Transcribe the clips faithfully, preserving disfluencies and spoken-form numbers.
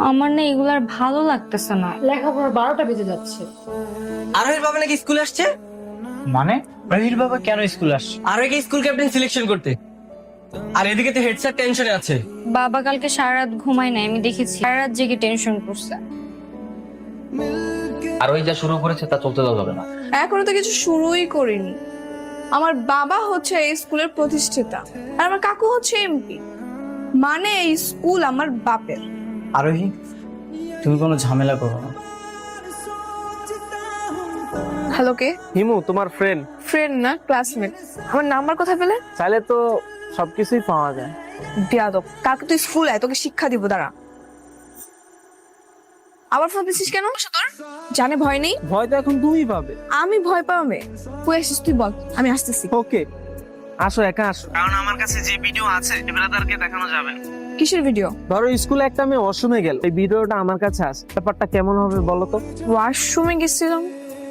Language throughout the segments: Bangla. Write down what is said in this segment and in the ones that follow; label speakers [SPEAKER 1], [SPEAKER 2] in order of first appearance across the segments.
[SPEAKER 1] আমার না এগুলার ভালো লাগতেছে না,
[SPEAKER 2] লেখাপড়ার বারোটা বেজে যাচ্ছে।
[SPEAKER 3] আরোহীর বাবা নাকি স্কুলে আসছে?
[SPEAKER 4] মানে রহির বাবা কেন স্কুল আসছে?
[SPEAKER 3] আরোহীকে স্কুল ক্যাপ্টেন সিলেকশন করতে। আর এদিকে তো হেড স্যার টেনশনে আছে।
[SPEAKER 1] বাবা কালকে সারা রাত ঘুমায় নাই, আমি দেখেছি সারা রাত জেগে টেনশন করছে।
[SPEAKER 4] আর ওই যা শুরু করেছে তা চলতে দেওয়া যাবে না।
[SPEAKER 5] এখনো তো কিছু শুরুই করিনি। আমার বাবা হচ্ছে এই স্কুলের প্রতিষ্ঠাতা আর আমার কাকু হচ্ছে এমপি, মানে এই স্কুল আমার বাপের।
[SPEAKER 4] আরোহী, তুমি কোনো ঝামেলা করো না।
[SPEAKER 5] হ্যালো, কে?
[SPEAKER 6] হিমু তোমার ফ্রেন্ড।
[SPEAKER 5] ফ্রেন্ড না, ক্লাসমেট। আমার নাম্বার কোথায় পেলে?
[SPEAKER 6] চাইলে তো সবকিছুই পাওয়া যায়।
[SPEAKER 5] বিয়াদব, কালকে তুই স্কুল আয়, তোকে শিক্ষা দিব। দাঁড়া। আবার ফোন দিছিস কেন? তোর জানে ভয় নেই?
[SPEAKER 6] ভয় তো এখন তুমি পাবে।
[SPEAKER 5] আমি ভয় পাবে? তুই আসিস, তুই বল, আমি আসতেছি।
[SPEAKER 6] ওকে, আসো, একা আসো। কারণ আমার কাছে যে ভিডিও আছে ব্রাদারকে দেখানো যাবে না।
[SPEAKER 5] কিসের ভিডিও?
[SPEAKER 6] ধরো স্কুলে একটা মেয়ে ওয়াশরুমে গেল, এই ভিডিওটা আমার কাছে আছে, ব্যাপারটা কেমন হবে বলো তো?
[SPEAKER 5] ওয়াশরুমে গেছিলাম।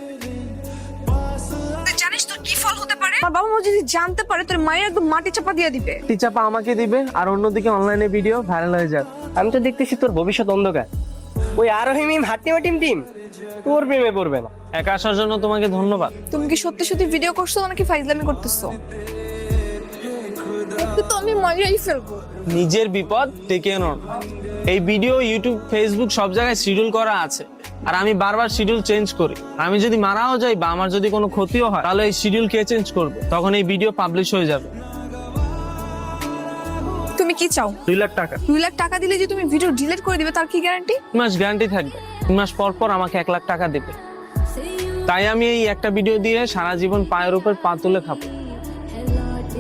[SPEAKER 5] তুই জানিস তোর কি ফল হতে পারে? আমার বাবা মা যদি জানতে পারে তোর মায়ের একদম মাটি চাপা দিয়ে দিবে।
[SPEAKER 6] টিচাপা আমাকে দিবে আর অন্যদিকে অনলাইনে ভিডিও ভাইরাল হয়ে যাবে।
[SPEAKER 3] আমি তো দেখতেছি তোর ভবিষ্যৎ অন্ধকার। ওই আরোহী মিম হাট্টিমা টিম টিম তোর প্রেমে পড়বে না।
[SPEAKER 6] একা আসার জন্য তোমাকে ধন্যবাদ।
[SPEAKER 5] তুমি কি সত্যি সত্যি ভিডিও করছো নাকি ফাইজলামি করতেছো? একটু তো আমি মজাই ফেলবো।
[SPEAKER 6] নিজের বিপদ ডেকে আনো না। এই ভিডিও ইউটিউব, ফেসবুক সব জায়গায় শিডিউল করা আছে, আর আমি বারবার শিডিউল চেঞ্জ করি। আমি যদি মারাও যাই বা আমার যদি কোনো ক্ষতিও হয়, তাহলে এই শিডিউল কে চেঞ্জ করবে? তখন এই ভিডিও পাবলিশ হয়ে যাবে।
[SPEAKER 5] তুমি কি চাও?
[SPEAKER 6] দুই লাখ টাকা।
[SPEAKER 5] দুই লাখ টাকা দিলে যে তুমি ভিডিও ডিলিট করে দিবে তার কি গ্যারান্টি?
[SPEAKER 6] তিন মাস গ্যারান্টি থাকবে। তিন মাস পর পর আমাকে এক লাখ টাকা দেবে। তাই আমি এই একটা ভিডিও দিয়ে সারা জীবন পায়ের উপর পা তুলে খাবো।